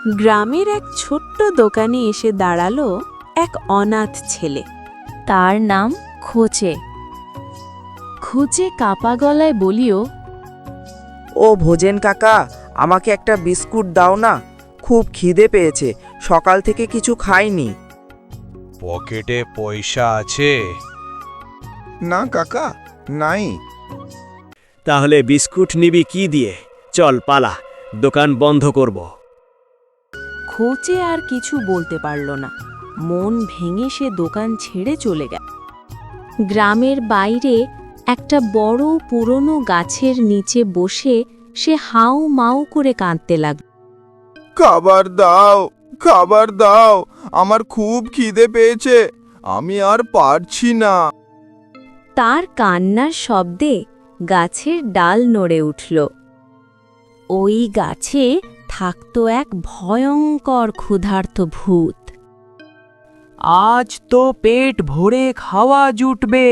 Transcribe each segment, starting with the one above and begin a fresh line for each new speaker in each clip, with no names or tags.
গ্রামের এক ছোট্ট দোকানে এসে দাঁড়ালো এক অনাথ ছেলে।
তার নাম খোঁচে। খোঁচে কাপা গলায় বলিও,
ও ভোজেন কাকা, আমাকে একটা বিস্কুট দাও না, খুব খিদে পেয়েছে, সকাল থেকে কিছু খাইনি।
পকেটে পয়সা আছে?
না কাকা, নাই।
তাহলে বিস্কুট নিবি কি দিয়ে? চল পালা, দোকান বন্ধ করব।
খোঁচে আর কিছু বলতে পারল না, মন ভেঙে সে দোকান ছেড়ে চলে গেল। গ্রামের বাইরে একটা বড় পুরনো গাছের নিচে বসে সে হাউ মাউ করে কাঁদতে লাগল।
খাবার দাও, খাবার দাও, আমার খুব খিদে পেয়েছে, আমি আর পারছি না।
তার কান্নার শব্দে গাছের ডাল নড়ে উঠল। ওই গাছে থাকত এক ভয়ঙ্কর ক্ষুধার্ত ভূত।
আজ তো পেট ভরে খাওয়া জুটবে।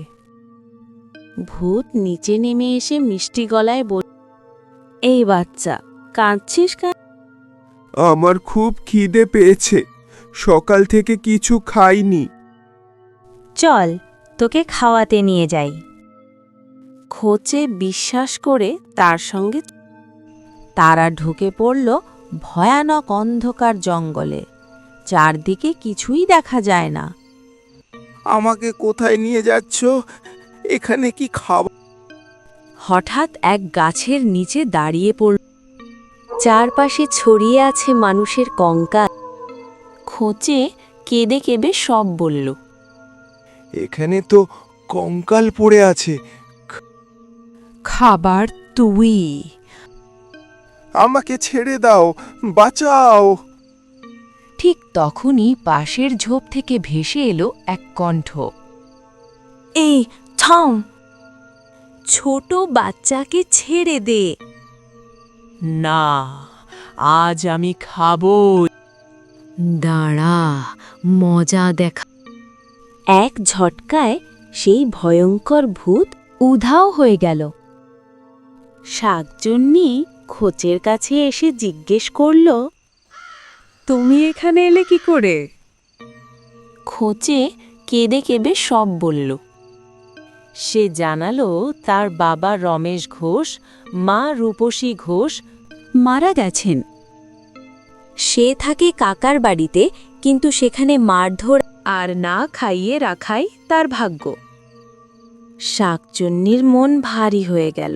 ভূত নিচে নেমে এসে মিষ্টি গলায় বলল, এই বাচ্চা, কাঁদছিস কেন?
আমার খুব খিদে পেয়েছে, সকাল থেকে কিছু খাইনি।
চল তোকে খাওয়াতে নিয়ে যাই।
খোঁচে বিশ্বাস করে তার সঙ্গে তারা ঢুকে পড়ল ভয়ানক অন্ধকার জঙ্গলে। চারদিকে কিছুই দেখা যায় না।
আমাকে কোথায় নিয়ে যাচ্ছ? এখানে কি খাবার?
হঠাৎ এক গাছের নিচে দাঁড়িয়ে পড়ল। চারপাশে ছড়িয়ে আছে মানুষের কঙ্কাল। খোঁচে কেঁদে কেঁদে সব বলল।
এখানে তো কঙ্কাল পড়ে আছে।
খাবার তুই।
আমাকে ছেড়ে দাও, বাঁচাও।
ঠিক তখনই পাশের ঝোপ থেকে ভেসে এলো এক কণ্ঠ।
এই থাম, ছোট বাচ্চাকে ছেড়ে দে।
না, আজ আমি খাবো।
দাঁড়া, মজা দেখা। এক ঝটকায় সেই ভয়ঙ্কর ভূত উধাও হয়ে গেল। শাকচুন্নি খোঁচের কাছে এসে জিজ্ঞেস করল, তুমি এখানে এলে কি করে? খোঁচে কেঁদে কেঁদে সব বলল। সে জানালো তার বাবা রমেশ ঘোষ, মা রূপসী ঘোষ মারা গেছেন। সে থাকে কাকার বাড়িতে, কিন্তু সেখানে মারধর আর না খাইয়ে রাখাই তার ভাগ্য। শাকচুন্নির মন ভারী হয়ে গেল।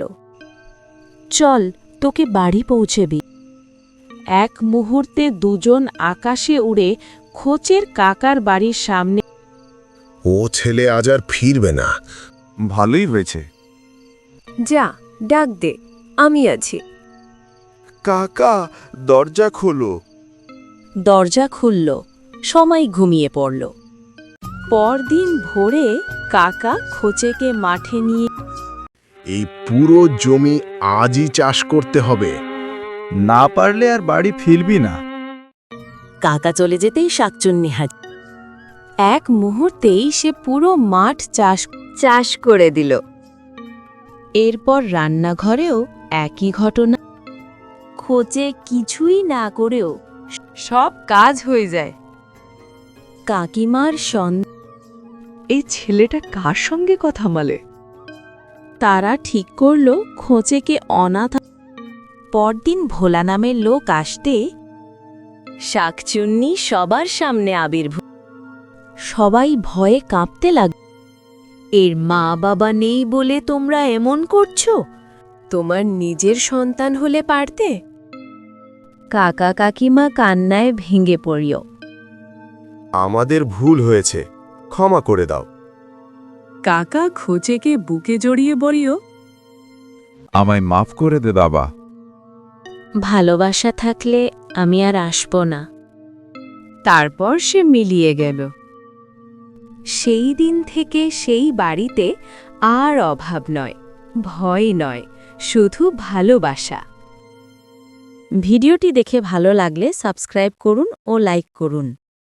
চল, তোকে বাড়ি পৌঁছেবি। এক মুহূর্তে দুজন আকাশে উড়ে খোঁচের কাকার বাড়ির সামনে।
ও ছেলে আজ আর ফিরবে না।
ভালোই হয়েছে।
যা, ডাক দে, আমি আছি।
কাকা, দরজা খোলো।
দরজা খুলল, সবাই ঘুমিয়ে পড়ল। পরদিন ভোরে কাকা খোঁচেকে মাঠে নিয়ে।
এই পুরো জমি আজই চাষ করতে হবে।
না পারলে আর বাড়ি ফিরবি না।
কাকা চলে যেতেই শাকচুন্নি হাজির। এক মুহূর্তেই সে পুরো মাঠ চাষ করে দিল। এরপর রান্নাঘরেও একই ঘটনা। খোঁচে কিছুই না করেও সব কাজ হয়ে যায়। কাকিমার এই ছেলেটা কার সঙ্গে কথা বলে? তারা ঠিক করল খোঁচেকে অনাথ। পরদিন ভোলা নামের লোক আসতে শাকচুন্নি সবার সামনে আবির্ভূত। সবাই ভয়ে কাঁপতে লাগল। এর মা বাবা নেই বলে তোমরা এমন করছো? তোমার নিজের সন্তান হলে পারতে। কাকা কাকিমা কান্নায় ভেঙে পড়িও।
আমাদের ভুল হয়েছে, ক্ষমা করে দাও।
কাকা খোঁচেকে বুকে জড়িয়ে বলিও,
আমায় মাফ করে দে বাবা।
ভালোবাসা থাকলে আমি আর আসব না। তারপর সে মিলিয়ে গেল। সেই দিন থেকে সেই বাড়িতে আর অভাব নয়, ভয় নয়, শুধু ভালোবাসা। ভিডিওটি দেখে ভালো লাগলে সাবস্ক্রাইব করুন ও লাইক করুন।